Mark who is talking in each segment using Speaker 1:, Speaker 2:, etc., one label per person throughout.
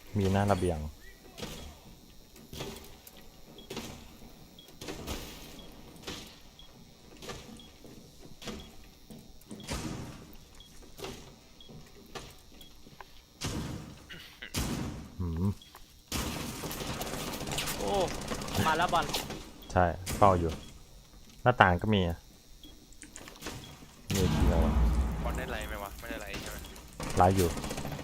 Speaker 1: มีหน้าระเบียง
Speaker 2: โอ้มาแล้วบอล
Speaker 1: ใช่เฝ้าอยู่หน้าต่างก็มีมีเดียว
Speaker 3: บอลได้ไรไหมวะไม่ได้ไรใช่ไหม
Speaker 1: ไลฟ์อยู่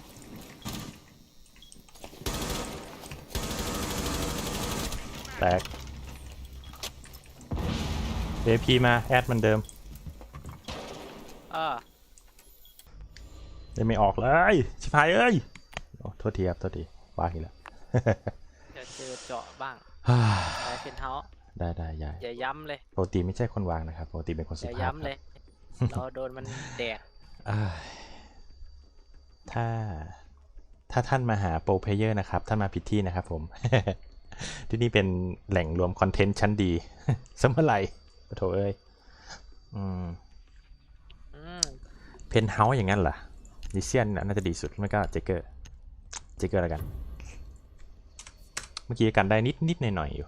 Speaker 1: แตก AP มาแอดมันเดิมยังไม่ออกเลยชิบหายเอ้ยโอ้โทษทีครับโทษทีวางอีกแล้ว
Speaker 2: จะเจอเจาะบ้างไปเป็นเฮา
Speaker 1: ได้ยาย
Speaker 2: อย่าย้ำเลย
Speaker 1: ปกติไม่ใช่คนวางนะครับปกติเป็นคนสุ
Speaker 2: อย่า
Speaker 1: ภาพ
Speaker 2: ย้ำเลย เราโดนมันแดก
Speaker 1: ถ้าท่านมาหาโปรเพลเยอร์นะครับท่านมาผิดที่นะครับผม ที่นี่เป็นแหล่งรวมคอนเทนต์ชั้นดี สมัยไหร่โถเอ้ยเพนเฮาส์อย่างนั้นเหรอดิเซียนน่าจะดีสุดไม่ก็เจเกอร์แล้วกันเมื่อกี้กันได้นิดหน่อยอยู่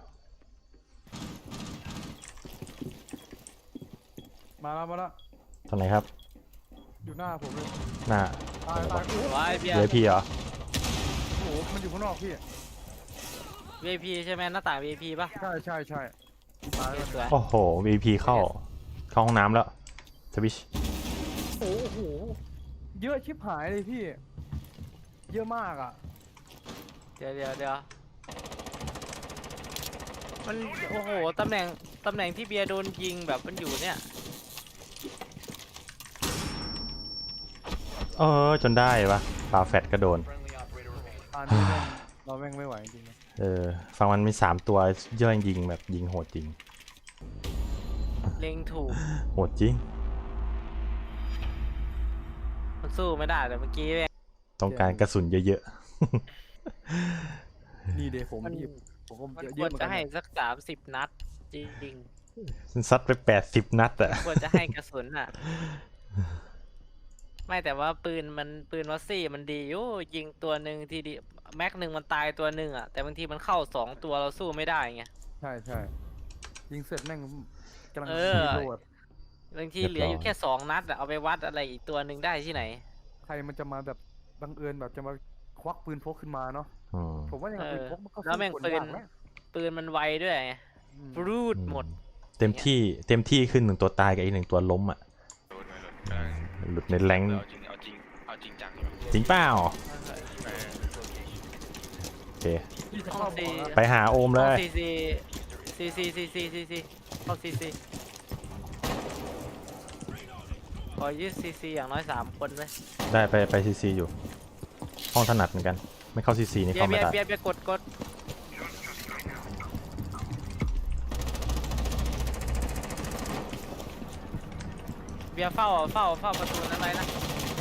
Speaker 4: มาแล้ว
Speaker 1: ตรงไหนครับ
Speaker 4: อยู่หน้าผมเลย
Speaker 1: หน้า
Speaker 4: ตายโอ้โห
Speaker 2: ว้ายเบีย
Speaker 1: เดี๋ยว
Speaker 2: ร์
Speaker 1: พี่เหรอ
Speaker 4: มันอยู่ข้างนอกพี่
Speaker 2: VIP ใช่ไหมหน้าต่าง VIP ป่ะ
Speaker 4: ใช่ตายแล้ว
Speaker 2: สวย
Speaker 1: โอ้โห VP เข้าห้องน้ำแล้วสวิช
Speaker 4: โอ้โหเยอะชิบหายเลยพี่เยอะมากอ่ะ
Speaker 2: เดี๋ยวมันโอ้โหตำแหน่งที่เบียร์โดนยิงแบบมันอยู่เนี่ย
Speaker 1: จนได้ปะปาแฟตก็โดน
Speaker 4: ตอนนี้เราแม่งไม่ไหวจริงๆ
Speaker 1: ฝั่งมันมี3ตัวเยอะยิงแบบยิงโหดจริง
Speaker 2: เล็งถูก
Speaker 1: โหดจริง
Speaker 2: มันสู้ไม่ได้แต่เมื่อกี้แม่ง
Speaker 1: ต้องการกระสุนเยอะ
Speaker 4: นี่เดี๋ยวผม
Speaker 2: มัน
Speaker 4: ผมก็
Speaker 2: มัน
Speaker 4: เย
Speaker 2: คว
Speaker 4: อะ
Speaker 2: ร
Speaker 4: เหมือน
Speaker 2: จะ
Speaker 4: กัน
Speaker 2: ให้สัก30 นัดจริง
Speaker 1: ๆซัดไป80 นัดอะ
Speaker 2: ๆควรจะให้กระสุนอ่ะ ไม่แต่ว่าปืนวัสซี่มันดีอยู่ยิงตัวหนึ่งทีเดียวแม็กหนึ่งมันตายตัวหนึ่งอ่ะแต่บางทีมันเข้า2 ตัวเราสู้ไม่ได้ไง
Speaker 4: ใช่ยิงเสร็จแม่งกำลัง
Speaker 2: เออ
Speaker 4: รีโหลด
Speaker 2: บางทีเหลืออยู่แค่2 นัดอะเอาไปวัดอะไรอีกตัวหนึ่งได้ที่ไหน
Speaker 4: ใครมันจะมาแบบบังเอิญแบบจะมาควักปืนพกขึ้นมาเนาะ
Speaker 1: อืม
Speaker 4: ผมว่าอย่างปืนพกมันก็
Speaker 2: แล้วแม่ง
Speaker 4: สู้คน
Speaker 2: ปืน
Speaker 4: ยากนะ
Speaker 2: ปืนมันไวด้วยไง
Speaker 4: อืม
Speaker 2: ปรูดหมด
Speaker 1: เต็มที่ขึ้น1ตัวตายกับอีก1ตัวล้มอะ
Speaker 3: โดนกำลัง
Speaker 1: หลุดในแรงค์
Speaker 3: เอาจริงจังอยู่
Speaker 1: จริงเปล่า
Speaker 3: เออ
Speaker 1: โอเค
Speaker 4: พี่จะ
Speaker 2: ห้
Speaker 4: เข้า
Speaker 2: อง
Speaker 4: บ
Speaker 2: ซี
Speaker 4: อกนะ
Speaker 1: ไปหาโอมเลย
Speaker 2: ซีเข้าซีขอยืดซีอย่างน้อย3 คนเลย
Speaker 1: ได้ไปซีอยู่ ห้องถนัดเหมือนกัน ไม่เข้าซีนี่
Speaker 2: เบีย
Speaker 1: เข้า
Speaker 2: ร์
Speaker 1: ไม่ได้
Speaker 2: เบียร์กดเบียร์เฝ้าประตูนั้นไว้นะ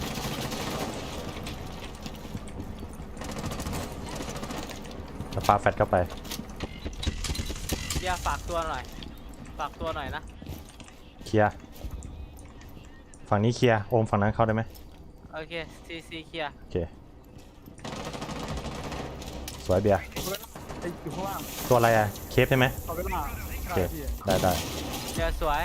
Speaker 1: แล้วปาแฟตเข้าไป
Speaker 2: เบียร์ฝากตัวหน่อยนะ
Speaker 1: เคลียร์ฝั่งนี้เคลียร์โอมฝั่งนั้นเข้าได้ไหม
Speaker 2: โอเคซีเคลียร์
Speaker 1: โอเคสวยเบียร์
Speaker 4: ไอ้อยู่ข้างล่าง
Speaker 1: ตัวอะไรอะเคฟใช่ไหม
Speaker 4: เอาเวลา
Speaker 1: โอ
Speaker 4: ใช่
Speaker 1: เค
Speaker 4: พี่
Speaker 1: ได้
Speaker 2: เบียร์สวย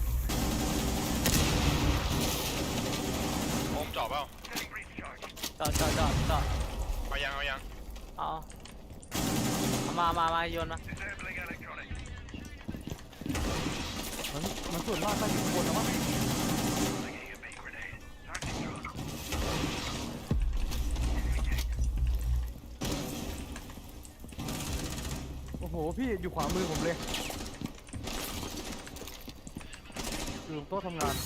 Speaker 3: โอมจอบเปล่า
Speaker 2: จอด
Speaker 3: เอายัง
Speaker 2: เอามาโยนมา
Speaker 4: มันส่วนมากก็อยู่ข้างบนนะมั้งโอ้โหพี่อยู่ขวามือผมเลยอยู่โต๊ะทำงาน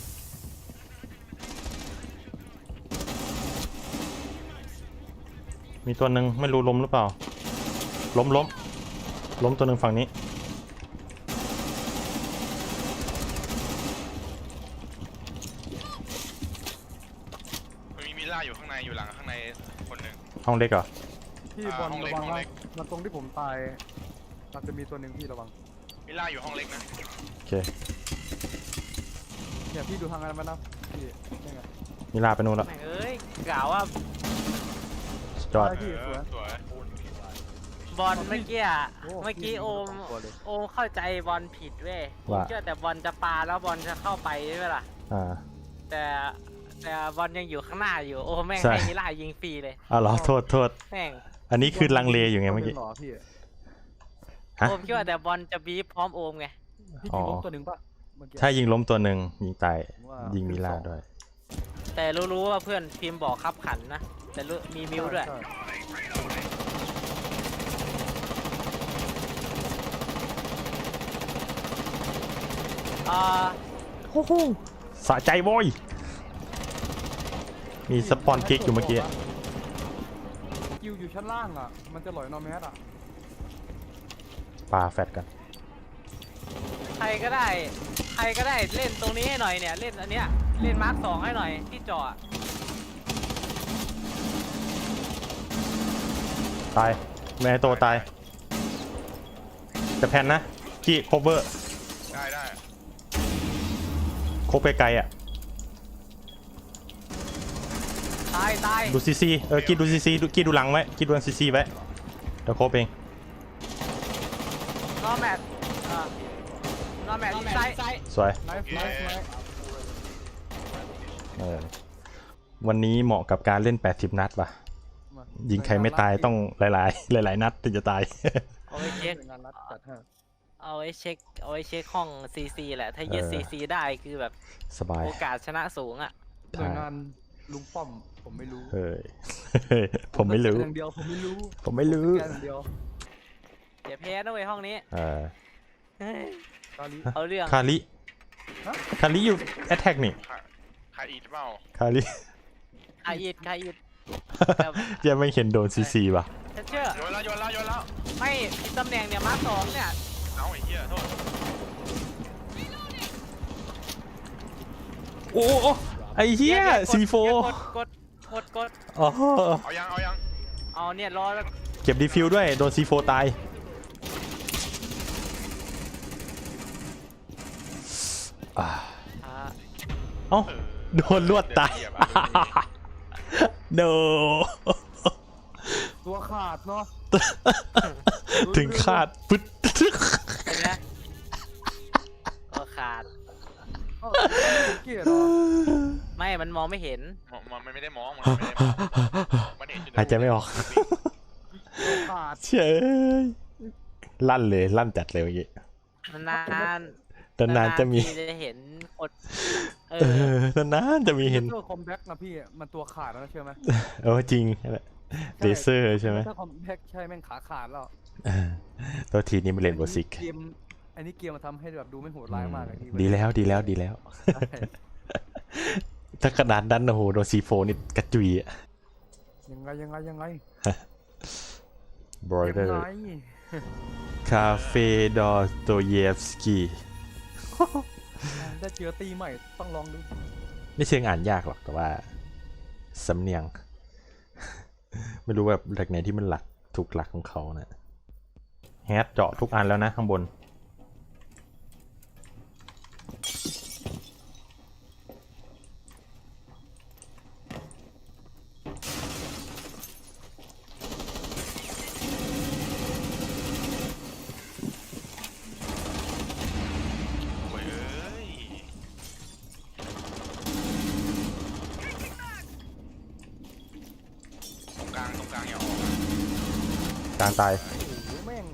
Speaker 1: มีตัวหนึ่งไม่รู้ล้มหรือเปล่าล้มตัวหนึ่งฝั่งนี้
Speaker 3: มีมิล่าอยู่ข้างในอยู่หลังข้างในคนหนึ่ง
Speaker 1: ห้องเล็กเหรอ
Speaker 4: พี่บอล
Speaker 3: ห้องเล็
Speaker 4: ระ
Speaker 3: ก
Speaker 4: วัง
Speaker 3: ห้อง
Speaker 4: นะ
Speaker 3: เล็ก
Speaker 4: มันตรงที่ผมตายอาจจะมีตัวหนึ่งพี่ระวัง
Speaker 3: มิล่าอยู่ห้องเล็กนะ
Speaker 1: โอเค
Speaker 4: เนี่ยพี่ดูทางนั้นไหมนะพี่นี่ไง
Speaker 1: มิลาไปนู่นแล้ว
Speaker 2: แม่งเอ้ยกล่าวว่า
Speaker 1: จอด
Speaker 4: ได้พี่สวย
Speaker 3: สวย
Speaker 2: บอลเมื่อกี้อะ
Speaker 4: โอ้
Speaker 2: เมื่อกี้
Speaker 4: พี่
Speaker 2: โอม
Speaker 4: สองตัวเลย
Speaker 2: โอมเข้าใจบอลผิดเว้ยผม
Speaker 1: ว่า
Speaker 2: เชื่อแต่บอลจะปาแล้วบอลจะเข้าไปใช่ไหมล่ะ
Speaker 1: อ่า
Speaker 2: แต่บอลยังอยู่ข้างหน้าอยู่โอ้แม่ง
Speaker 1: ใช่
Speaker 2: ให้มิล่ายิงฟรีเลย
Speaker 1: เอาเหรอโทษโทษ
Speaker 2: แม่ง
Speaker 1: อันนี้คือลังเลอยู่ไงเมื่อกี้
Speaker 4: หรอพี่
Speaker 1: ฮะ
Speaker 2: โอมคิดว่าแต่บอลจะบีบพร้อมโอมไง
Speaker 4: พี่
Speaker 1: อ๋
Speaker 4: ยิ
Speaker 1: อ
Speaker 4: งล้มตัวหนึ่งปะเมื่อกี้
Speaker 1: ถ้ายิงล้มตัวหนึ่งยิงตาย
Speaker 4: ผมว่า
Speaker 1: ยิงมิลา
Speaker 4: ขึ้นสอง
Speaker 1: ด้วย
Speaker 2: แต่รู้ว่าเพื่อนพิมพ์บอกขับขันนะแต่รู้มีมิวด้วย
Speaker 4: ใช่
Speaker 2: อ่า
Speaker 1: สะใจโว้ยมีสปอนคิกอยู่เมื่อกี้
Speaker 4: คิวอยู่ชั้นล่างอ่ะ มันจะหลอยนอแมสอ่ะ
Speaker 1: ปาแฟดกัน
Speaker 2: ใครก็ได้เล่นตรงนี้ให้หน่อยเนี่ยเล่นอันเนี้ยเล่นมาร์ค2ให้หน่อยที่จอด
Speaker 1: ตายแม่โตตายจะแพนนะกี้โคเวอร์
Speaker 3: ได้
Speaker 1: โคไปไกลๆอ่ะ
Speaker 2: ตาย
Speaker 1: ดูซีซีกี้ดูซีซีกี้ดูหลังไว้กี้ดูซีซีไว้เดี๋ยวโคเอง
Speaker 2: นอแมทนอแมทไซด์
Speaker 1: สวย
Speaker 4: ไนฟ์ไนฟ์ไนฟ์
Speaker 1: วันนี้เหมาะกับการเล่น80นัดป่ะ
Speaker 4: มา
Speaker 1: ยิงใครไม่ตายต้องหลายๆ หลายๆนัดถึงจะตาย
Speaker 2: เอาไว้เช็ค
Speaker 4: งานรัดจัดให้
Speaker 2: เอาไว้เช็คห้อง CC แหละถ้ายึด CC ได้คือแบบ
Speaker 1: สบาย
Speaker 2: โอกาสชนะสูงอ่ะ
Speaker 4: หน่วยงานลุงป้อมผมไม่รู้
Speaker 1: เฮ้ย ผมไม่รู้
Speaker 4: อย่างเดียวผมไม่รู้
Speaker 1: ผมไม่รู้
Speaker 4: แค่อย่างเดียว
Speaker 2: อย่าแพ้นะเว้ยห้องนี้
Speaker 1: เออ
Speaker 2: เฮ้ย
Speaker 4: ตอนนี้
Speaker 2: เอาเรื่อง
Speaker 1: คาริ
Speaker 4: ฮะ
Speaker 1: คาริอยู่แอตแทกนี่
Speaker 3: ใครอีทเปล่า
Speaker 1: คาริ
Speaker 2: ใครอิดแต่
Speaker 1: ยังไม่เห็นโดนซีซีป่ะ
Speaker 2: ฉันเชื่อ
Speaker 3: โยนแล้ว
Speaker 2: ไม่ผิดตำแหน่งเนี่ยมาร์ค2เนี่ย
Speaker 3: เอาไอ้เหี้ยโทษ
Speaker 1: โอ้โอ้ไอ้เหี้ย
Speaker 2: นี่
Speaker 1: ซีโฟ
Speaker 2: กด
Speaker 1: อ๋อ
Speaker 3: เอายัง
Speaker 2: เอาเนี่ยรอแล้ว
Speaker 1: เก็บดีฟิวด้วยโดนซีโฟตายอ่า
Speaker 2: อ่า
Speaker 1: เอ้าโดนลวดตาย โด
Speaker 4: ตัวขาดเนาะ
Speaker 1: ถึงขาดปึ๊ด
Speaker 2: เป็นไงก็ขาด
Speaker 4: เอ้าเกลียดเหรอ
Speaker 2: ไม่มันมองไม่เห็น
Speaker 3: มันไม่ได้มองมันเห็นอยู่
Speaker 1: หายใจไม่ออก
Speaker 4: ตัวขาด
Speaker 1: เฉยลั่นเลยลั่นจัดเลยเมื่อกี้
Speaker 2: นาน
Speaker 1: นานๆจะมี
Speaker 2: ทีจะเห็นคนเอ
Speaker 1: เอ
Speaker 2: อ
Speaker 1: อนานๆจะมีเห็น
Speaker 4: ตัวคอมแบ็กนะพี่มันตัวขาดแล้วนะเชื่อไหม
Speaker 1: จริงเลเซอร์ใช่ไหม
Speaker 4: ถ้าคอมแบ็กใช่แม่งขาขาดแล้ว
Speaker 1: ตัวทีนี้มันเล่นโบสิก
Speaker 4: เกมอันนี้เกมมาทำให้แบบดูไม่โหดร้ายมากเลยพี่
Speaker 1: ดีแล้วดีแล้วดีแล้ว
Speaker 4: ใช่
Speaker 1: ถ้ากระดานดันโอ้โหโดนซีโฟนี่กระจุยอะ
Speaker 4: ยังไง
Speaker 1: บรอยเดอร์
Speaker 4: ยังไง
Speaker 1: คาเฟ่ดอโตเยฟสกี้
Speaker 4: ได้เจอตีใหม่ต้องลองดู
Speaker 1: ไม่เชิงอ่านยากหรอกแต่ว่าสำเนียง ไม่รู้แบบหลักไหนที่มันหลักถูกหลักของเขานะแฮตเจาะทุกอันแล้วนะข้างบน
Speaker 3: โอ้ยตรงกลางอย่าออก
Speaker 1: กลางตาย
Speaker 4: โอ้โหแม่ง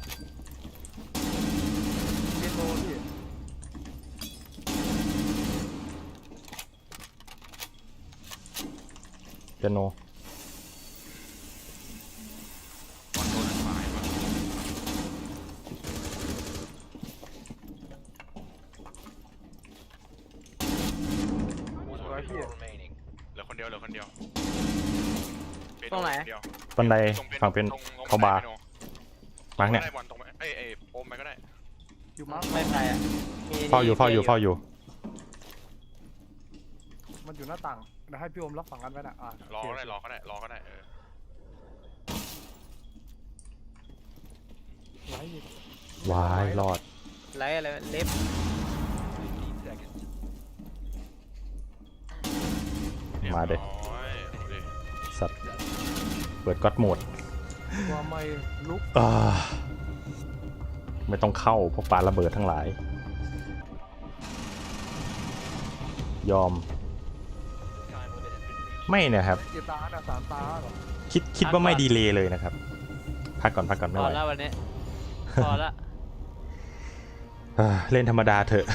Speaker 4: เรียนโลพี่
Speaker 1: เปียโน
Speaker 3: บอลโดนฝ่ายว่ะ
Speaker 4: สวยพี่
Speaker 3: เหลือคนเดียว
Speaker 2: ตรงไหน
Speaker 1: บันไดฝั่งเป็นเขาบาร์มาร์กเนี่ย
Speaker 3: บอลตรงเอ้ยโอมไปก็ได้
Speaker 4: อยู่มาร์ค
Speaker 2: ไม่ไปอ่ะมี
Speaker 1: เฝ้าอยู่
Speaker 4: มันอยู่หน้าต่างเดี๋ยวให้พี่โอมรับฝั่งกันไว้นะ
Speaker 3: รอ
Speaker 4: โเค
Speaker 3: ก็ได้เออ
Speaker 4: ไว้อีก
Speaker 1: วายรอด
Speaker 2: ไรอะไรเล็บ
Speaker 1: มาเด็
Speaker 3: โอ้ย
Speaker 1: สัตว์เปิดก็อดโหมด
Speaker 4: ว่าไม่ลุก
Speaker 1: ไม่ต้องเข้าพวกปลาระเบิดทั้งหลาย ยอม ไม่นะครับ
Speaker 4: กี่ตาน่ะ3 ตาเหรอ
Speaker 1: คิดว่าไม่ดีเลยเลยนะครับ พักก่อนไม่
Speaker 2: พ
Speaker 1: ไห
Speaker 2: อ
Speaker 1: ว
Speaker 2: แล้ววันนี้ พอละ
Speaker 1: เล่นธรรมดาเถอะ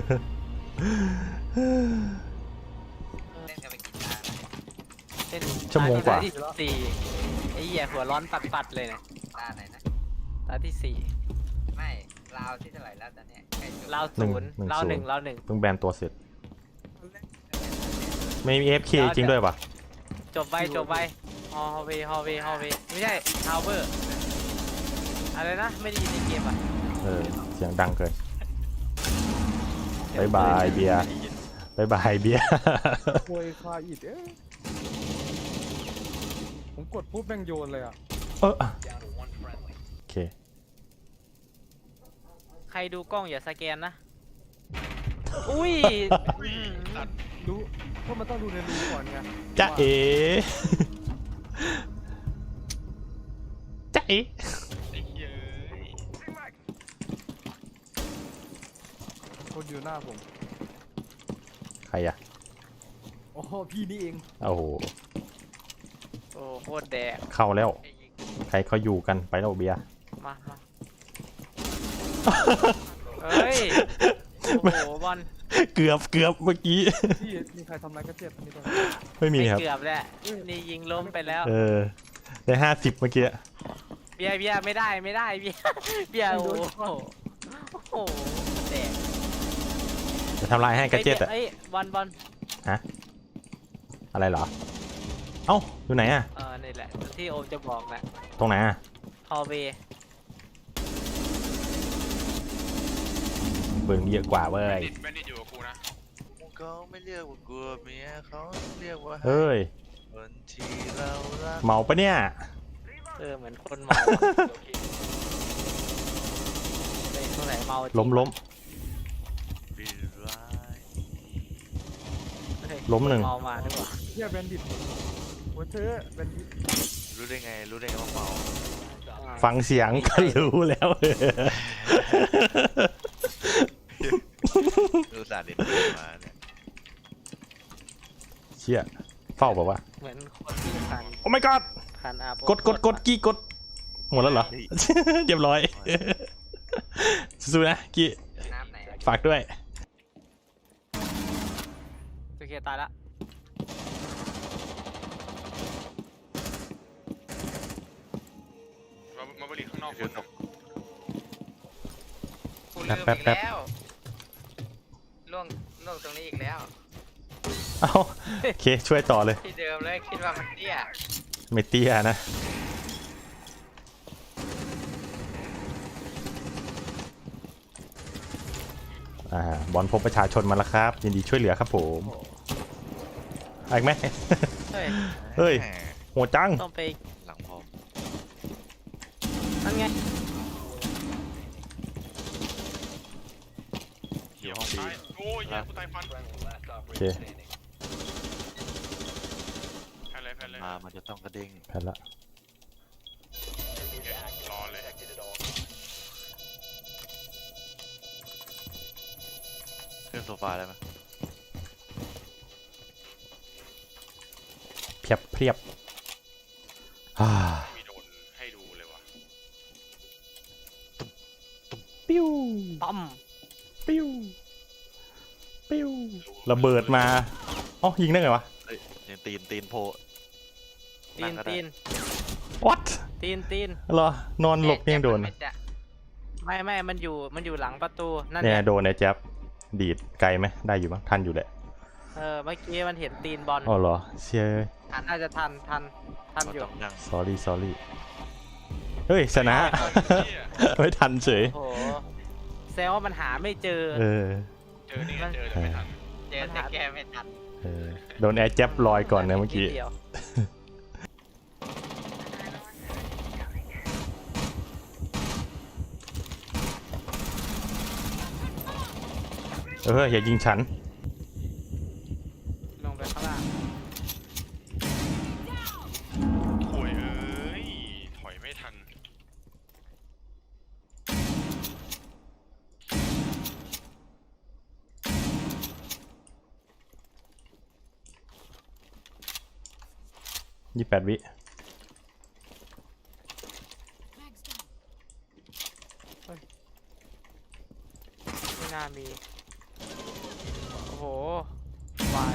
Speaker 5: เล่นกันไปกี่ตา
Speaker 2: เป็น
Speaker 1: ชั่วโมงกว่า
Speaker 2: ตที่สี่ไอ้เหี้ยหัวร้อนปัดๆเลยเนี่ย
Speaker 5: ตาไหนนะ
Speaker 2: ตาที่สี่
Speaker 5: ไม่ลาวที่เท่าไหร่แล้วตอนเนี้ยใกล้จบ
Speaker 2: เรา
Speaker 1: หนึ่ง
Speaker 2: ศูนย์
Speaker 1: หนึ่ง
Speaker 2: เรา
Speaker 1: ศูนย์
Speaker 2: หนึ่งเราหนึ่ง
Speaker 1: เพิ่งแบนตัวเสร็จ ไม่มี FK จริงด้วยปะ
Speaker 2: จบไวจบไวฮอลเวไม่ใช่ทาวเวอร์อะไรนะไม่ได้ยินในเกมอ่ะ
Speaker 1: เสียงดังเกินบายบายเบียร์บายบายเบียร์
Speaker 4: โวยคาอิดผมกดปุ๊บแม่งโยนเลยอ่ะ
Speaker 1: โอเค
Speaker 2: ใครดูกล้องอย่าสแกนนะ อุ้ย
Speaker 3: สัตว์
Speaker 4: รู้เพราะมันต้องดูในรูก่อนไง
Speaker 1: จ๊ะเอ๋จ๊ะเอ๋
Speaker 3: ไอ้เหี้ยเอ้ย
Speaker 4: คนอยู่หน้าผม
Speaker 1: ใครอะ
Speaker 4: อ๋อพี่นี่เอง
Speaker 1: โอ้โห
Speaker 2: โอ้โคตรแดก
Speaker 1: เข้าแล้ว
Speaker 5: ไอ้ยิง
Speaker 1: ใครเขาอยู่กันไปแล้วเบียร์
Speaker 2: มาเฮ้ยโอ้โหบอล
Speaker 1: เกือบเมื่อกี้
Speaker 4: พี่มีใครทำอะไรก็เจ็บอันนี้ตรง
Speaker 1: ไม่มีครับ
Speaker 2: เกือบแล้วนี่ยิงล้มไปแล้ว
Speaker 1: ได้50เมื่อกี้
Speaker 2: เบียร์ไม่ได้เบียร์โอ้โหแดก
Speaker 1: จะทำลายให้กระเจ็ดอะ
Speaker 2: เอ้ยบอล
Speaker 1: อะไรเหรอ เอ้าอยู่ไหนอะ
Speaker 2: นี่แหละที่โอมจะบอกนะ
Speaker 1: ตรงไหนอะ
Speaker 2: ฮอลเว
Speaker 1: เบิ่งเยอะกว่าเว้
Speaker 3: แบ
Speaker 1: ย
Speaker 3: นดิตอยู่กับกูนะ
Speaker 5: เขาไม่เรียกว่ากลัวเมียเขาเรียกว่า
Speaker 1: เฮ้ย
Speaker 5: คนที่เรารัก
Speaker 1: เมาปะเนี่ย
Speaker 2: เหมือนคนเมาเป็นคนไหนเมาจริง
Speaker 1: ล้ม
Speaker 5: ปีร้าย
Speaker 2: เฮ้ย
Speaker 1: ล้มหนึ่ง
Speaker 2: เมามาด้วยวะ
Speaker 4: เฮียแบนดิตหัวเธอแบนดิต
Speaker 5: รู้ได้ไงว่าเมา
Speaker 1: ฟังเสียงก็รู้แล้ว
Speaker 5: รู้สาเด็ดมาเนี่ย
Speaker 1: เชี่ยเฝ้าบอกว่า
Speaker 2: เหมือนคนที่คัน
Speaker 1: โอ้ my god
Speaker 2: คันอาบ
Speaker 1: กดกี้กดหมดแล้วเหรอ เรียบร้อย สู้ๆนะกี้
Speaker 5: น้ำไหนอะ
Speaker 1: ฝากด้วย
Speaker 2: โอเคตายละ
Speaker 3: มาบริข้างนอกคน
Speaker 5: กูลืม
Speaker 1: แป๊บ
Speaker 5: อีก
Speaker 1: แป๊บ
Speaker 5: แล้วล่วงตรงนี้อีกแล้ว
Speaker 1: เอ้าโอเคช่วยต่อเลย
Speaker 5: ที่เดิมเลยคิดว่ามันเตี้ย
Speaker 1: ไม่เตี้ยนะ บอลพบประชาชนมาแล้วครับ ยินดีช่วยเหลือครับผมอะไรอีกไหม
Speaker 2: เฮ้ย
Speaker 1: เฮ้ย
Speaker 5: แหม
Speaker 1: โหดจัง
Speaker 2: ต้องไป
Speaker 5: หลังพอ
Speaker 2: นั่นไง
Speaker 5: เขียวห้องบี
Speaker 3: ตายโอ้ยเหี้ยกูตายฟัน
Speaker 1: โอเค
Speaker 3: แพ้เลย
Speaker 5: มันจะต้องกระเด้ง
Speaker 1: แพ้ละ
Speaker 3: รอเลย
Speaker 5: ขึ้นโซฟาได้ไหม
Speaker 1: เพียบอ่า
Speaker 3: ไม่มีโดนให้ดูเลยวะ
Speaker 1: ปิ้ว
Speaker 2: ปั๊ม
Speaker 1: ปิ้วปิ้วระเบิดมาอ๋อยิงได้ไงวะ
Speaker 5: เอ้ยยังตีนโผล่
Speaker 2: ตีน
Speaker 1: what
Speaker 2: ตีน
Speaker 1: เหรอนอนหลบยังโดน
Speaker 2: ไม่มันอยู่หลังประตูนั่น
Speaker 1: เนี่ย
Speaker 2: เนี่ย
Speaker 1: โดนไอ้แจ๊บดีดไกลไหมได้อยู่มั้งทันอยู่แหละ
Speaker 2: เมื่อกี้มันเห็นตีนบอล
Speaker 1: อ๋อเหรอเชีย
Speaker 2: น่าจะทัน
Speaker 5: มัน
Speaker 2: อยู่
Speaker 5: ต้องนั่ง
Speaker 1: sorry เฮ้ยชนะ ไม่ทันเฉย
Speaker 2: โอ้โหแซวว่ามันหาไม่เจอ
Speaker 1: เออ
Speaker 3: เจอนี่ไงเจอแต่ไม่ทัน
Speaker 5: เจอแต่แกไม่ทัน
Speaker 1: โดนแอร์แจ๊บลอยก่อนนะเมื่อกี้
Speaker 2: นิดดียว
Speaker 1: อย่ายิงฉัน
Speaker 2: ลงไปข้างล่าง
Speaker 3: โวยเอ้ย
Speaker 1: 28 วิ
Speaker 2: ไม่น่ามี โอ้โหวาย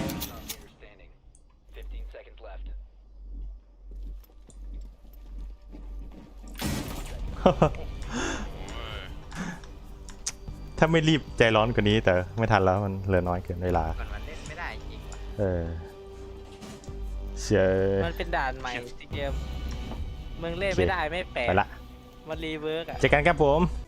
Speaker 1: ถ้าไม่รีบใจร้อนกว่านี้แต่ไม่ทันแล้วมันเหลือน้อยเกินเวลา
Speaker 2: มันเล่นไม่ได้จริงว่ะ
Speaker 1: เออเชีย
Speaker 2: มันเป็นด่านใหม่ที่เกมมึงเล่นไม่ได้ไม่แปลก
Speaker 1: ไปละ
Speaker 2: มันรีเวิร์กอ่ะ
Speaker 1: เจอกันครับผม